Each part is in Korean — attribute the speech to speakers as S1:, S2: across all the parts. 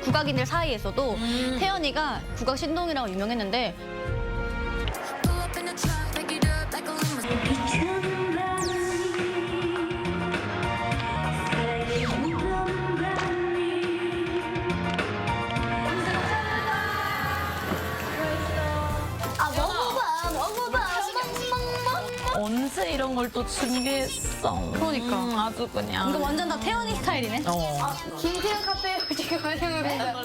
S1: 국악인들 사이에서도 태연이가 국악 신동이라고 유명했는데
S2: 언제 이런 걸 또 준비했어?
S1: 그러니까.
S2: 아주 그냥.
S1: 이거 완전 다 태연이 스타일이네.
S3: 김태현 카페에 지금 가려면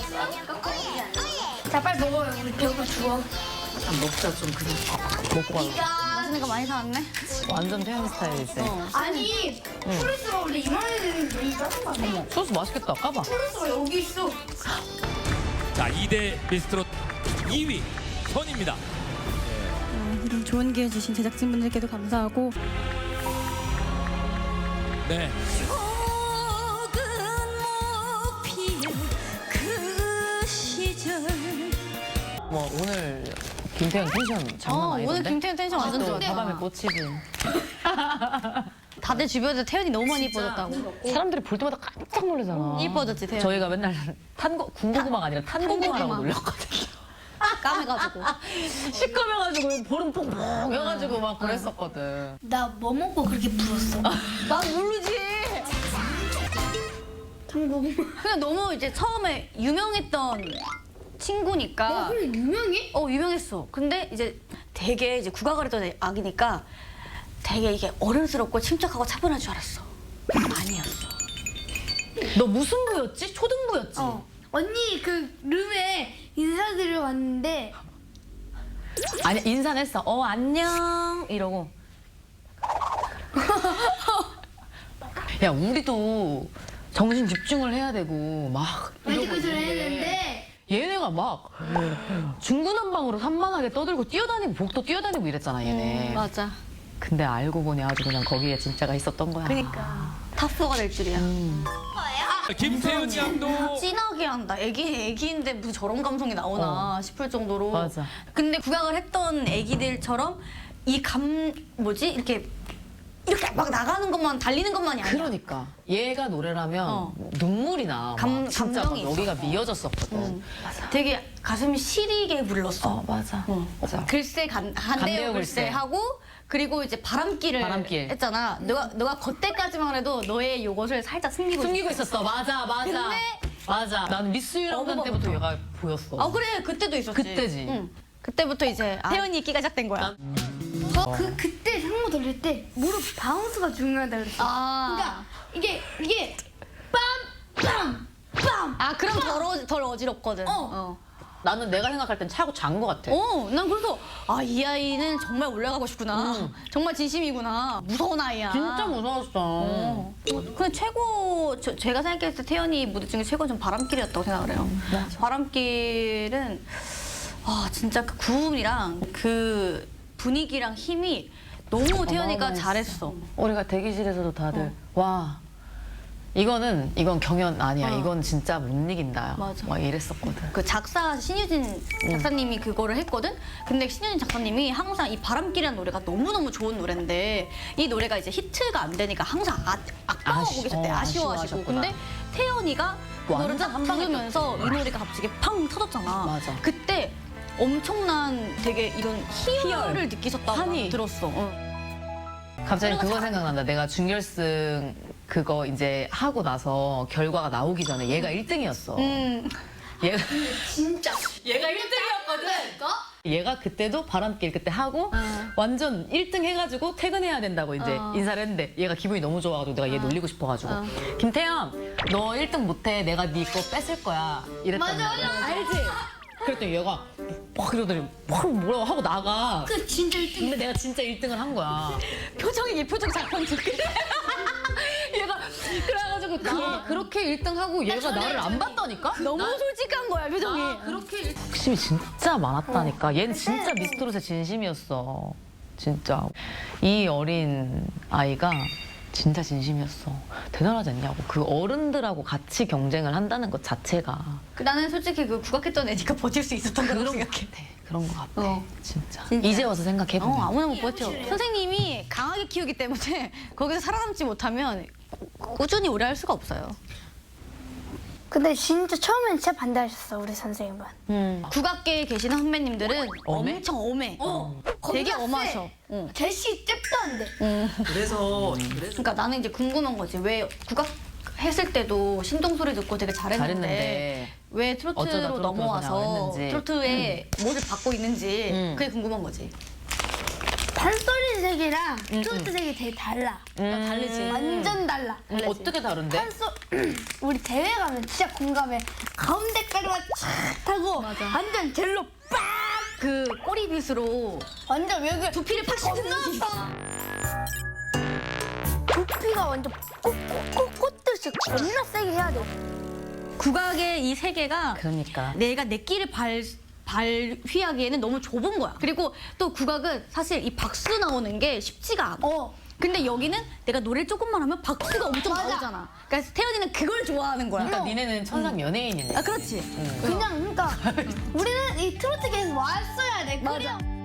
S3: 자 빨리 먹어요. 우리 배고파 죽어.
S2: 먹자 좀 그냥. 먹고 가.
S1: 맛있는 거 많이 사왔네.
S2: 완전 태연 스타일이지.
S3: 아니 프레스가 원래 이만해 되는데 이 작은 거 아니야?
S2: 소스 맛있겠다. 까봐.
S3: 프레스가 여기 있어.
S4: 자, 2대 미스트롯 2위 선입니다.
S5: 이런 좋은 기회 주신 제작진분들께도 감사하고
S4: 네.
S2: 뭐 오늘 김태현 텐션 장난 아니던데?
S1: 오늘 김태연 텐션 완전
S2: 또
S1: 좋아.
S2: 다밤에 꽂히지.
S1: 다들 주변에서 태연이 너무 많이 이뻐졌다고.
S2: 사람들이 볼 때마다 깜짝 놀라잖아.
S1: 이뻐졌지, 태연.
S2: 저희가 맨날 군고구마가 아니라 탄고구마라고
S1: 탄고구마.
S2: 놀렸거든요.
S1: 까매가지고.
S2: 시커매가지고 보름 퐁퐁 해가지고 막 그랬었거든.
S3: 나 뭐 먹고 그렇게 불었어?
S1: 난 모르지. 그냥 너무 이제 처음에 유명했던 친구니까.
S3: 그래 유명해?
S1: 유명했어. 근데 이제 되게 이제 국악을 했던 아기니까 되게 이게 어른스럽고 침착하고 차분할 줄 알았어. 아니었어.
S2: 너 무슨 부였지? 초등부였지?
S3: 언니 그 룸에 인사드리러 왔는데
S2: 아니 인사는 했어. 안녕 이러고. 야 우리도 정신 집중을 해야 되고 막
S3: 완전
S2: 이러고
S3: 그 소리
S2: 있는데
S3: 했는데
S2: 얘네가 막 중구난방으로 산만하게 떠들고 뛰어다니고 복도 뛰어다니고 이랬잖아 얘네.
S1: 맞아.
S2: 근데 알고 보니 아주 그냥 거기에 진짜가 있었던 거야.
S1: 그러니까 탑4가 될 줄이야.
S4: 김태훈 양도
S1: 진하게 한다. 애기인데 무슨 저런 감성이 나오나 싶을 정도로.
S2: 맞아.
S1: 근데 국악을 했던 애기들처럼 이 이렇게 막 나가는 것만 달리는 것만이 아니야.
S2: 그러니까 얘가 노래라면 눈물이 나. 진짜 막
S1: 감정이
S2: 여기가 미어졌었거든.
S1: 되게 가슴이 시리게 불렀어.
S2: 맞아. 맞아.
S1: 글쎄 간대요 글쎄 하고 그리고 이제 바람길 했잖아. 너가 그때까지만 해도 너의 요것을 살짝
S2: 숨기고 있었어. 맞아.
S1: 근데
S2: 맞아. 난 미스 유랑단 때부터 얘가 보였어.
S1: 그래 그때도 있었지.
S2: 그때지.
S1: 응. 그때부터 이제 태연이 있기가 시작된 거야.
S3: 그때 상모 돌릴 때 무릎 바운스가 중요하다 그랬어. 그러니까 이게 빰빰빰.
S1: 그럼 덜 어지럽거든.
S2: 나는 내가 생각할 땐 차고 잔 거 같아.
S1: 난 그래서 이 아이는 정말 올라가고 싶구나. 정말 진심이구나. 무서운 아이야.
S2: 진짜 무서웠어.
S1: 근데 제가 생각했을 때 태연이 무대 중에 최고는 전 바람길이었다고 생각을 해요. 바람길은 진짜 그 구음이랑 그 분위기랑 힘이 너무 태연이가 잘했어.
S2: 우리가 대기실에서도 다들 와 이건 경연 아니야. 이건 진짜 못 이긴다.
S1: 맞아.
S2: 막 이랬었거든.
S1: 그 작사 신유진 작사님이 그거를 했거든. 근데 신유진 작사님이 항상 이 바람길이라는 노래가 너무너무 좋은 노래인데 이 노래가 이제 히트가 안 되니까 항상 아까워하고 계셨대. 아쉬워하시고.
S2: 아쉬워하셨구나.
S1: 근데 태연이가 그거를
S2: 완전
S1: 딱
S2: 한 방에
S1: 부르면서 이 노래가 갑자기 팡 터졌잖아.
S2: 맞아.
S1: 그때 엄청난 되게 이런 희열을
S2: 희열.
S1: 느끼셨다고
S2: 환희.
S1: 들었어.
S2: 갑자기 그거 생각난다. 내가 준결승 그거 이제 하고 나서 결과가 나오기 전에 얘가 1등이었어. 얘가 얘가 1등이었거든. 얘가 그때도 바람길 그때 하고 완전 1등 해가지고 퇴근해야 된다고 이제 인사를 했는데 얘가 기분이 너무 좋아가지고 내가 얘 놀리고 싶어가지고 김태현 너 1등 못해 내가 네 거 뺏을 거야 이랬단 말이야. 알지? 그랬더니 얘가 막 이러더니 막 뭐라고 하고 나가.
S3: 그 진짜 1등.
S2: 근데 내가 진짜 1등을 한 거야.
S1: 표정이 예표정 작품 듣기.
S2: 얘가 그래가지고 그렇게 1등하고 얘가 나를 안 봤다니까?
S1: 너무 솔직한 거야 표정이.
S2: 그렇게 욕심이 진짜 많았다니까. 얘는 진짜 미스트롯의 진심이었어. 진짜 이 어린 아이가 진짜 진심이었어. 대단하지 않냐고. 그 어른들하고 같이 경쟁을 한다는 것 자체가
S1: 나는 솔직히 그 국악했던 애니까 버틸 수 있었던 거라고
S2: 그런 것
S1: 생각해.
S2: 같아. 그런 것 같아. 진짜.
S1: 진짜.
S2: 이제 와서 생각해보면.
S1: 아무나 못 버텨. 선생님이 강하게 키우기 때문에 거기서 살아남지 못하면 꾸준히 오래 할 수가 없어요.
S3: 근데 진짜 처음엔 진짜 반대하셨어 우리 선생님은.
S1: 국악계에 계시는 선배님들은
S2: 엄해?
S1: 엄청 엄해. 되게
S3: 겁나
S1: 엄하셔.
S3: 세.
S1: 응.
S3: 제시 잽도 안 돼.
S2: 그래서
S1: 그러니까 나는 이제 궁금한 거지. 왜 국악 했을 때도 신동 소리 듣고 되게 잘했는데,
S2: 잘했는데
S1: 왜
S2: 어쩌다
S1: 트로트로
S2: 트로트로
S1: 넘어와서
S2: 나왔는지.
S1: 트로트의 못을 받고 있는지
S2: 음.
S1: 그게 궁금한 거지.
S3: 판소리 색이랑 트로트 색이 되게 달라.
S1: 다르지.
S3: 완전 달라.
S2: 어떻게 다른데?
S3: 우리 대회 가면 진짜 공감해. 가운데까지만 촥 하고 완전 젤로 빡!
S1: 그 꼬리빗으로
S3: 완전 여기
S1: 두피를 팍 씻는
S3: 두피가 완전 꽂듯이 겁나 세게 해야 돼.
S1: 국악의 이 세계가
S2: 그러니까.
S1: 내가 내 끼를 발휘하기에는 너무 좁은 거야. 그리고 또 국악은 사실 이 박수 나오는 게 쉽지가 않아. 근데 여기는 내가 노래를 조금만 하면 박수가 엄청
S3: 맞아.
S1: 나오잖아. 그러니까 태연이는 그걸 좋아하는 거야.
S2: 그러니까 니네는 천상 연예인이네.
S1: 아, 그렇지.
S3: 그냥 그러니까 우리는 이 트로트계에서 왔어야 돼.
S1: 맞아.